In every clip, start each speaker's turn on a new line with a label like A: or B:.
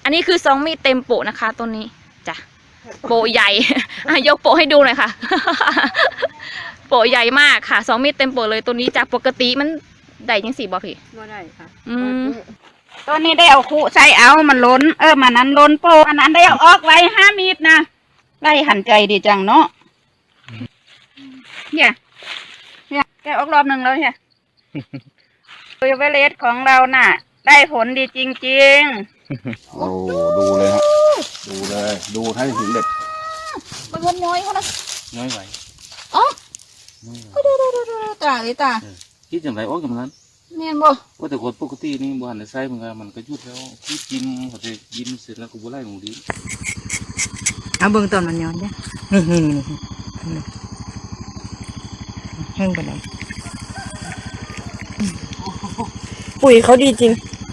A: อันนี้คือ2 มีดเต็มโปะนะคะต้นนี้จ้ะโปะใหญ่ ยกโปะให้ดูหน่อยค่ะ โปะใหญ่มากค่ะ2 มีดเต็มโปะเลยตัวนี้จากปกติมันได้ยัง4บ่พี่
B: บ่ได้ค่ะ
C: ตัวนี้ได้เอาคู่ใส่เอามันล้นมันนั้นล้นโปอันนั้นได้เอาออกไว้5 มีดนะไล่หันใจดีจังเนาะเนี่ยแกออกรอบหนึ่งแล้วเนี่ยตัวเวเลสของเราน่ะได้ผลดีจริงๆ
D: โอ้ดูเลยฮะดูเลยดูให้ถึงเด็ด
C: มันวนย้อยเขานะ
D: น้อยไหว
C: อ๋อดูตาเลยตา
D: คิดอย่างไรโอ้ยกับนั้น
C: เนียนบ่
D: ว่าแต่คนปกตินี่บ้านในไส้มันก็ยุดแล้วคิดกินเขาจะกินเสร็จแล้วก็บุไล่หมูดี
C: เอาเบิ่งตอนมันย้อนเด้แห้งไปเลยปุ๋ยเขาดีจริง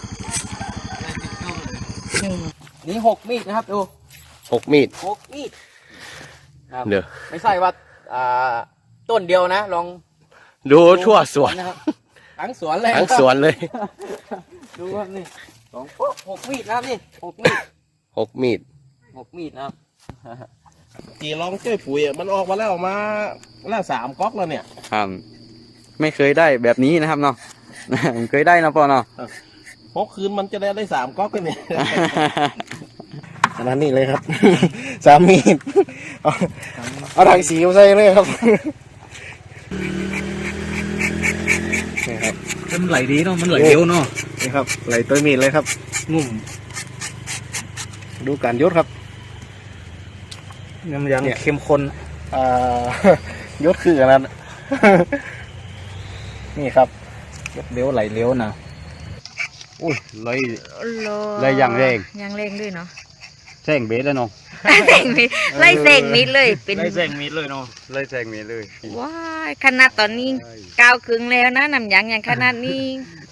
B: นี่6 มีดนะครับดู
D: 6 มีด
B: เดี๋ยวไม่ใช่ว่าต้นเดียวนะลอง
D: ดูทั่วสวน
B: นะครับทั้งสวนเลย
D: ทั้งสวนเลย
B: ดูครับนี่6 มีดนะครับนี่6 มีด
D: 6 มีด
B: นะครับ
E: กี่ลองช่วยปุ๋ยมันออกมาแล้ว3 ก๊อกแล้วเนี่ย
F: ครับไม่เคยได้แบบนี้นะครับเนาะ เคยได้นะพ่อเนาะ
E: 6 คืนมันจะได้3 ก๊อกกันเนี่ยขนาดนี้เลยครับ 3 มีดเอาถังสีมาใส่เลยครับนี่ครับ
F: มันไหลดีเนาะมันไหลเร็วเนาะ
E: นี่ครับไหลตัวมีดเลยครับงุ่มดูการยศครับ
F: ยังเข้มข้น
E: ยศคืออันนั้น นี่ครับ
F: ยศเลี้ยวไหลเลี้ยวนะ
D: อุ้ยเลย
A: อย่างแรงด้วยเนาะ
D: แซงเบสแล้วเนาะ
A: แซงมิดไล่แซงมิดเลยเป็น
D: ไล่แซงมิดเลยเนาะไล่แซงมิดเลย
A: ว้ายขนาดตอนนี้9 ครึ่งแล้วนะน้ำยางอย่างขนาดนี้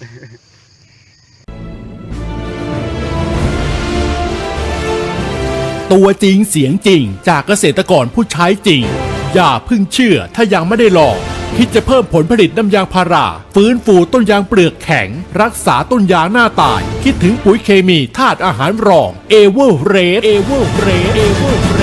G: ตัวจริงเสียงจริงจากเกษตรกรผู้ใช้จริงอย่าเพิ่งเชื่อถ้ายังไม่ได้ลองคิดจะเพิ่มผลผลิตน้ำยางพาราฟื้นฟูต้นยางเปลือกแข็งรักษาต้นยางหน้าตายคิดถึงปุ๋ยเคมีธาตุอาหารรองเอเวอร์เรส